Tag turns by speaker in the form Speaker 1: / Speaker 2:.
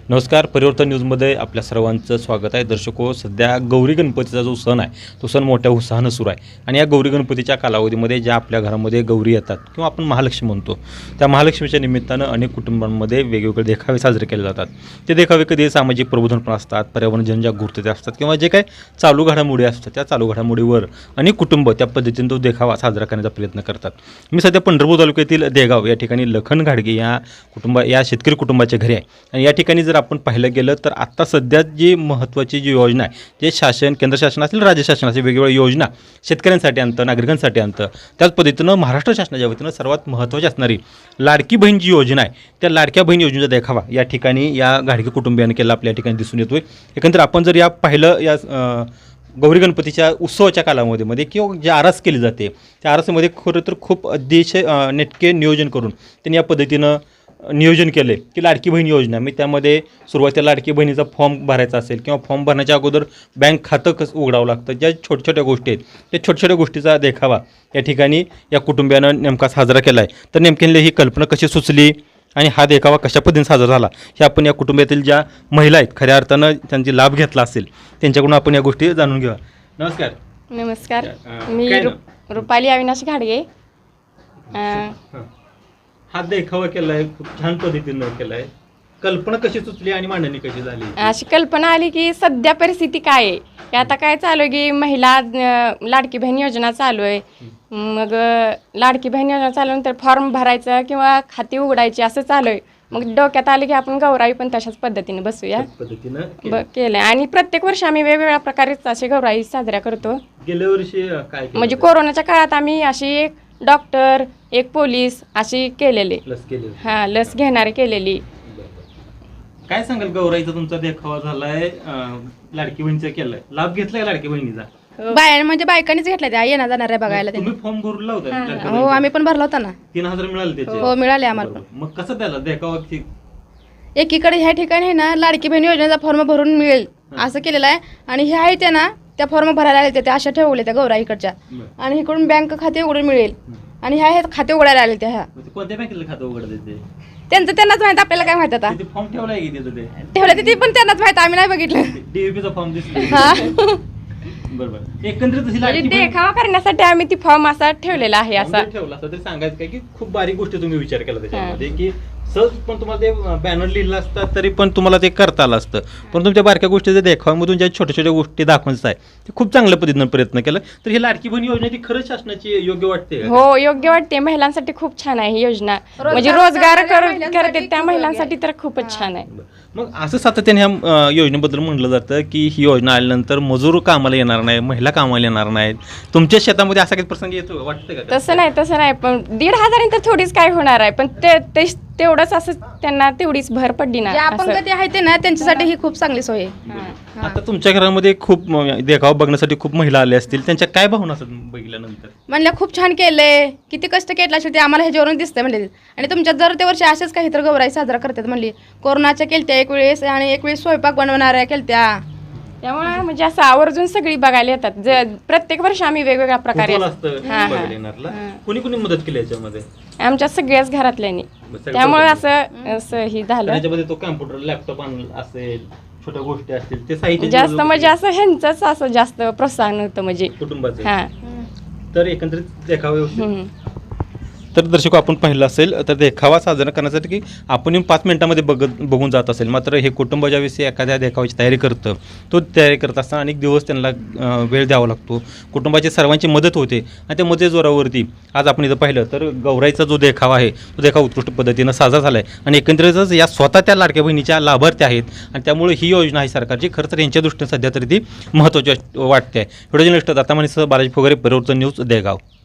Speaker 1: नमस्कार, परिवर्तन न्यूजमध्ये आपल्या सर्वांचं स्वागत आहे. दर्शको, सध्या गौरी गणपतीचा जो सण आहे तो सण मोठ्या उत्साहानं सुरू आहे आणि या गौरी गणपतीच्या कालावधीमध्ये ज्या आपल्या घरामध्ये गौरी येतात किंवा आपण महालक्ष्मी म्हणतो, त्या महालक्ष्मीच्या निमित्तानं अनेक कुटुंबांमध्ये वेगवेगळे देखावे साजरे केले जातात. ते देखावे कधी सामाजिक प्रबोधन पण असतात, पर्यावरण जनजागृती असतात किंवा जे काही चालू घडामोडी असतात त्या चालू घडामोडीवर अनेक कुटुंब त्या पद्धतीने तो देखावा साजरा करण्याचा प्रयत्न करतात. मी सध्या पंढरपूर तालुक्यातील देगाव या ठिकाणी लखन घाडगे या शेतकरी कुटुंबाच्या घरी आहे आणि या ठिकाणी जर आपण पाहिलं गेलं तर आत्ता सध्या जी महत्त्वाची जी योजना आहे, जे शासन, केंद्र शासन असेल, राज्य शासन असेल, वेगवेगळ्या योजना शेतकऱ्यांसाठी आणतं, नागरिकांसाठी आणतं, त्याच पद्धतीनं महाराष्ट्र शासनाच्या वतीनं सर्वात महत्त्वाची असणारी लाडकी बहीण जी योजना आहे, त्या लाडक्या बहीण योजनेचा देखावा या ठिकाणी या घाडगे कुटुंबियांनी केला आपल्या ठिकाणी दिसून येतोय. एकंदर आपण जर या पाहिलं या गौरी गणपतीच्या उत्सवाच्या कालावधीमध्ये किंवा जी आरास केली जाते त्या आरासामध्ये खरं तर खूप अतिशय नेटके नियोजन करून त्यांनी या पद्धतीनं नियोजन केलं आहे की लाडकी बहीण योजना. मी त्यामध्ये सुरुवातीला लाडकी बहिणीचा फॉर्म भरायचा असेल किंवा फॉर्म भरण्याच्या अगोदर बँक खातं कसं उघडावं लागतं, ज्या छोट्या छोट्या गोष्टी आहेत त्या छोट्या छोट्या गोष्टीचा देखावा या ठिकाणी या कुटुंबियानं नेमका साजरा केला आहे. तर नेमक्याने ही कल्पना कशी सुचली आणि हा देखावा कशा पद्धतीने साजरा झाला हे आपण या कुटुंबातील ज्या महिला आहेत खऱ्या अर्थानं त्यांची लाभ घेतला असेल त्यांच्याकडून आपण या गोष्टी जाणून घेऊया. नमस्कार.
Speaker 2: नमस्कार, मी रुपाली अविनाश घाडगे.
Speaker 1: हा देखावा केला आहे, खूप छान पद्धतीनं केला आहे. कल्पना कशी सुचली आणि मांडणी कशी झाली?
Speaker 2: अशी कल्पना आली की सध्या परिस्थिती काय आहे की आता काय चालू आहे की महिला लाडकी बहीण योजना चालू आहे. मग लाडकी बहीण योजना चालवून फॉर्म भरायचं किंवा खाती उघडायची असं चालू आहे. मग डोक्यात आले की आपण गौराई पण तशाच पद्धतीने बसूया केलं. आणि प्रत्येक वर्षी आम्ही वेगवेगळ्या प्रकारे असे गौराई साजऱ्या करतो.
Speaker 1: गेल्या वर्षी काय
Speaker 2: म्हणजे कोरोनाच्या काळात आम्ही अशी एक डॉक्टर, एक पोलीस अशी केलेली, लस घेणारे केलेली.
Speaker 1: काय सांगाल, गौराईचा तुमचा देखावा झालाय, लाडकी बहिणीचा केलाय, लाभ घेतलाय लाडकी बहिणीचा?
Speaker 3: म्हणजे बायकांनीच घेतल्या त्या येणार जाणार आहे बघायला.
Speaker 1: तुम्ही फॉर्म भरला होता?
Speaker 3: हो, आम्ही पण भरला होता ना.
Speaker 1: 3000 मिळाले त्याचे?
Speaker 3: हो, मिळाले आम्हाला.
Speaker 1: मग कसं त्याला देखावा?
Speaker 3: एकीकडे ह्या ठिकाणी आहे ना लाडकी बहीण योजनेचा फॉर्म भरून मिळेल असं केलेलं आहे आणि हे आहे ते ना त्या फॉर्म भरायला आले त्या अशा ठेवले त्या गौरा इकडच्या आणि इकडून बँक खाते उघडून मिळेल आणि ह्या हे खाते उघडायला आले त्या. ह्या
Speaker 1: कोणत्या बँकेला खातं उघडते
Speaker 3: त्यांनाच माहित, आपल्याला काय माहित. आता
Speaker 1: फॉर्म ठेवलाय की
Speaker 3: ठेवलं ते पण त्यांनाच माहित, आम्ही नाही बघितलं.
Speaker 1: डीव्हीपीचा फॉर्म दिसतो. बरोबर. एकंदरीत
Speaker 2: देखावा करण्यासाठी आम्ही ती फॉर्म असा ठेवलेला आहे. असा
Speaker 1: ठेवला असं तरी सांगायचं काय की खूप बारीक गोष्टी तुम्ही विचार केला त्याच्यामध्ये की सहज पण तुम्हाला ते बॅनर लिहिलं असतं तरी पण तुम्हाला ते करता आलं असतं. पण तुमच्या बारक्या गोष्टीच्या देखाव्यामधून ज्या छोट्या छोट्या गोष्टी दाखवायचं आहे ते खूप चांगल्या पद्धतीनं प्रयत्न केला. तर ही लाडकी बहीण योजना ती खरंच शासनाची योग्य वाटते?
Speaker 2: हो, योग्य वाटते. महिलांसाठी खूप छान आहे ही योजना. म्हणजे रोजगार करते त्या महिलांसाठी तर खूपच छान आहे.
Speaker 1: मग असं सातत्याने ह्या योजनेबद्दल म्हटलं जातं की ही योजना आल्यानंतर मजूर कामाला येणार नाही, महिला कामाला येणार नाहीत. तुमच्या शेतामध्ये असा काही प्रसंग येतो वाटतं का?
Speaker 2: तसं नाही. पण 1500 तर थोडीच काय होणार आहे. पण तेवढंच असं त्यांना तेवढीच भर पडली ना.
Speaker 3: अपंग ते आहे ते ना त्यांच्यासाठी ही खूप चांगली सोय आहे.
Speaker 1: आता तुमच्या घरामध्ये खूप देखावा बघण्यासाठी खूप महिला आल्या असतील, त्यांच्या काय भावना असतात बघितल्यानंतर?
Speaker 3: म्हणल्या खूप छान केलंय, किती कष्ट केलं असेल ते आम्हाला ह्याच्यावरून दिसतंय म्हणले. आणि तुमच्यात जर ते वर्षी असेच काही तर गौराई साजरा करतात म्हणली. कोरोनाच्या केलत्या एक वेळेस आणि एक वेळेस स्वयंपाक बनवणाऱ्या केलत्या.
Speaker 2: त्यामुळे म्हणजे असं आवर्जून सगळी बघायला येतात. प्रत्येक वर्षी आम्ही वेगवेगळ्या प्रकारे
Speaker 1: कुणी कुणी मदत केली याच्यामध्ये?
Speaker 2: आमच्या सगळ्याच घरातल्यांनी. त्यामुळे असं ही झालं.
Speaker 1: त्याच्यामध्ये तो कॉम्प्युटर, लॅपटॉप असेल, छोट्या गोष्टी असतील, ते साहित्य
Speaker 2: जास्त म्हणजे असं ह्यांचंच असं जास्त प्रोत्साहन होतं म्हणजे
Speaker 1: कुटुंबाचं. तर एकंदरीत देखावा. तर दर्शक, आपण पाहिलं असेल तर देखावा साजरा करण्यासाठी की आपण 5 मिनिटांमध्ये बघून जात असेल, मात्र हे कुटुंब ज्यावेळेस एखाद्या देखावाची तयारी करतं, तो तयारी करत असताना अनेक दिवस त्यांना वेळ द्यावा लागतो. कुटुंबाची सर्वांची मदत होते आणि त्या मदत जोरावरती आज आपण इथं पाहिलं तर गौराईचा जो देखावा आहे तो देखावा उत्कृष्ट पद्धतीनं साजरा झाला आहे आणि एकंदरीतच या स्वतः त्या लाडक्या बहिणीच्या लाभार्थी आहेत आणि त्यामुळे ही योजना आहे सरकारची खरं तर यांच्या दृष्टीने सध्या तरी ती महत्त्वाची वाटते आहे. व्हिडिओ जर्नलिस्ट दत्ता मानेसह बालाजी फोगारे, परिवर्तन न्यूज, देगाव.